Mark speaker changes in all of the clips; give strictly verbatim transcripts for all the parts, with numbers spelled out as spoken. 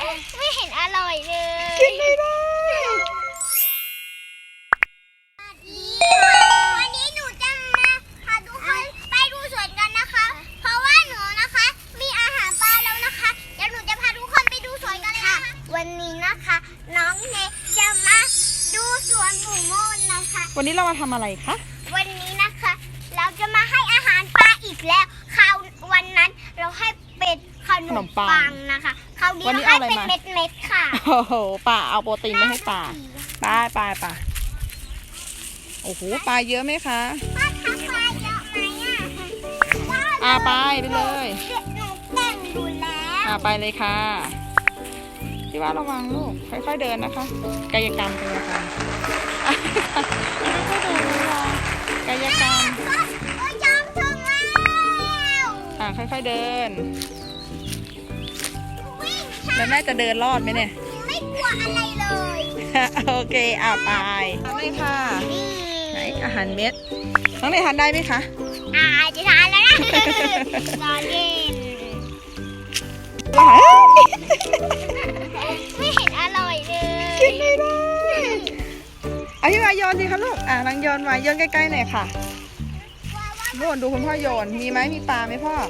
Speaker 1: ไม่เห็นอร่อยเลย
Speaker 2: กินไม่ได้
Speaker 1: วันนี้หนูจะมาพาทุกคนไปดูสวนกันนะคะ เพราะว่าหนูนะคะมีอาหารปลาแล้วนะคะเดี๋ยวหนูจะพาทุกคนไปดูสวนกันเลยนะคะวันนี้นะคะน้องเนจะมาดูสวนหมูโมนนะคะ
Speaker 2: วันนี้เรามาทำอะไรคะ
Speaker 1: วันนี้นะคะเราจะมาให้อาหารปลาอีกแล้วคราววันนั้นเราให้เป็ดขนมปังนะคะคราวนี้เราให้เป็นเม็ดเม็ดค่ะ
Speaker 2: โอ้โหปลาเอาโปรตีนไม่ให้ปลาปลาปลาปลาโอ้โหปลาเยอะไหมคะ
Speaker 1: ป้าทักปลาเยอะไหมอ่ะ
Speaker 2: อ่าไปไปเลย
Speaker 1: หนูแต่งอยู่แล้ว
Speaker 2: อ่าไปเลยค่ะพี่ว่าระวังลูกค่อยๆเดินนะคะกายกรรมกายกรรมค่อยๆเดินระวังกายกรรม
Speaker 1: โอ้ยยอมถึงแล้ว
Speaker 2: อ่าค่อยๆเดิน
Speaker 1: วิ่ง
Speaker 2: แล้วแม่จะเดินรอดไหมเนี่ย
Speaker 1: ไม่กลัวอะไรเลย
Speaker 2: โอเคอ่าไปทำเลยค่ะไหนอาหารเม็ดน้องเนยทานได้ไหมคะ
Speaker 1: อ่าจะทานแล้วนะรอเล่นไม่เห็นอร่อยเลย
Speaker 2: กินไม่ได้เอาพี่มาโยนสิคะลูกอ่ะลังโยนมาโยนใกล้ๆหน่อยค่ะโน่นดูคุณพ่อโยนมีไหมมีปลาไหมพ่อ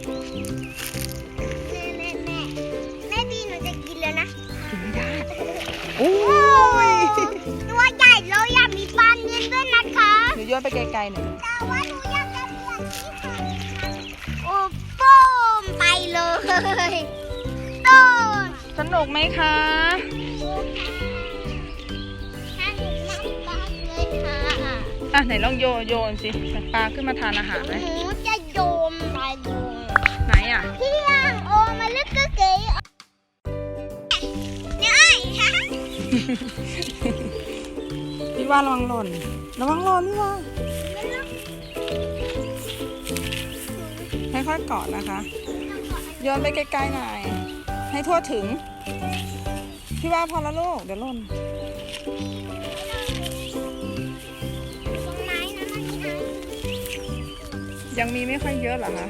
Speaker 1: แม่แม่แม่แม่บีหนูจะกินแล้วนะ
Speaker 2: กินไม่ได้โอ้ย
Speaker 1: ตัวใหญ่เลยอยากมีปลาเนื้อด้วยนะคะ
Speaker 2: หนูโยนไปไกลๆหน่อย
Speaker 1: แต่ว่าหนูอยากจะเปลี่ยนที่ค่ะโอ้ป้มไปเลยต้น
Speaker 2: สนุกไหมคะอ่ะไหนลองโยนโยนสิปลาขึ้นมาทานอาหารไหม
Speaker 1: หนูจะโยนไปดู
Speaker 2: ไหนอ่ะ
Speaker 1: เที่ยงโอมาลึกก็เก๋เนี่ย
Speaker 2: พี่ว่าระวังหล่นระวังหล่นพี่ว่าค่อยๆเกาะนะคะโยนไปไกลๆหน่อยให้ทั่วถึงพี่ว่าพอแล้วลูกเดี๋ยวหล่นยังมีไม่ค่อยเยอะหรอคะ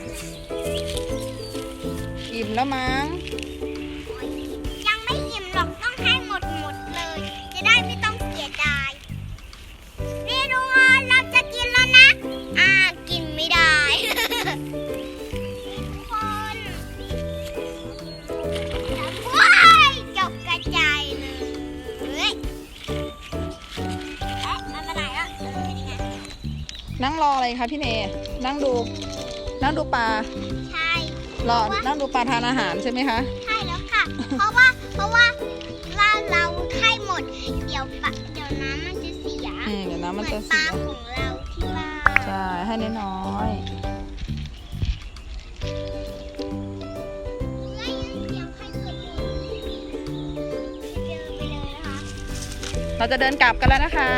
Speaker 2: อิ่มแล้วมั้ง
Speaker 1: ยังไม่อิ่มหรอกต้องให้หมดหมดเลยจะได้ไม่ต้องเสียดายนี่ดูเราจะกินแล้วนะอ่ากินไม่ได้คนว้ายจบกระจายเลยเอ๊ะมันไปไหนอ่ะเออนี่ไง
Speaker 2: นั่งรออะไรคะพี่เนนั่งดูนั่งดูปลา
Speaker 1: ใช่
Speaker 2: รอนั่งดูปลาทานอาหารใช่ไหมคะ
Speaker 1: ใช่แล้วค่ะเพราะว่าเพราะว่าล่าเราให้หมดเดี๋ยวปะเดี๋ยวน้ำมันจะเสีย
Speaker 2: อืมเดี๋ยวน้ำมันจะ
Speaker 1: เสียเหมือนปลาของเราที่บ้าน
Speaker 2: ใช่ให้น้อยๆเราจะเดินกลับกันแล้วนะคะ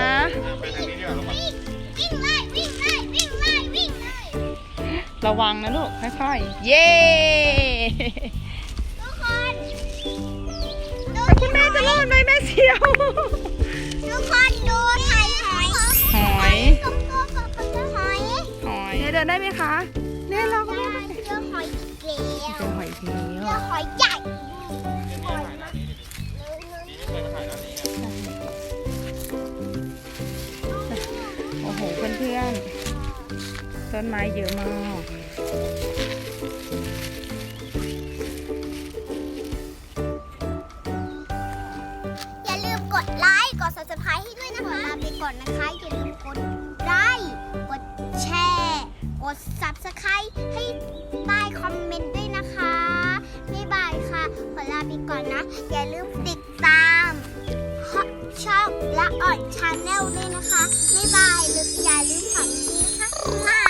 Speaker 1: วิ่งเลยวิ่งเลยวิ่งเลยวิ่งเลย
Speaker 2: ระวังนะลูกค่อยๆเย้
Speaker 1: ทุกคน
Speaker 2: คุณแม่จะรอดไหมแม่เชียว
Speaker 1: ทุกคนดูหอยหอย
Speaker 2: หอย
Speaker 1: หอย
Speaker 2: หอยเดินได้ไหมคะเนี่ยเราก็ได้
Speaker 1: เจอหอยเกลียว
Speaker 2: เจอหอยเกลียว
Speaker 1: เจอหอยใหญ่
Speaker 2: โอ้โหเพื่อนๆต้นไม้เยอะมาก
Speaker 1: อย่าลืมกดไลค์กด ซับสไครบ์ ให้ด้วยนะคะลาไปก่อนนะคะอย่าลืมกดไลค์กดแชร์กด ซับสไครบ์ ให้ใต้คอมเมนต์ด้วยนะคะบ๊ายบายค่ะขอลาไปก่อนนะอย่าลืมติดตามช่องและอ่อนชาแนลด้วยนะคะบ๊ายบายอย่าลืมฝังนี้ค่ะ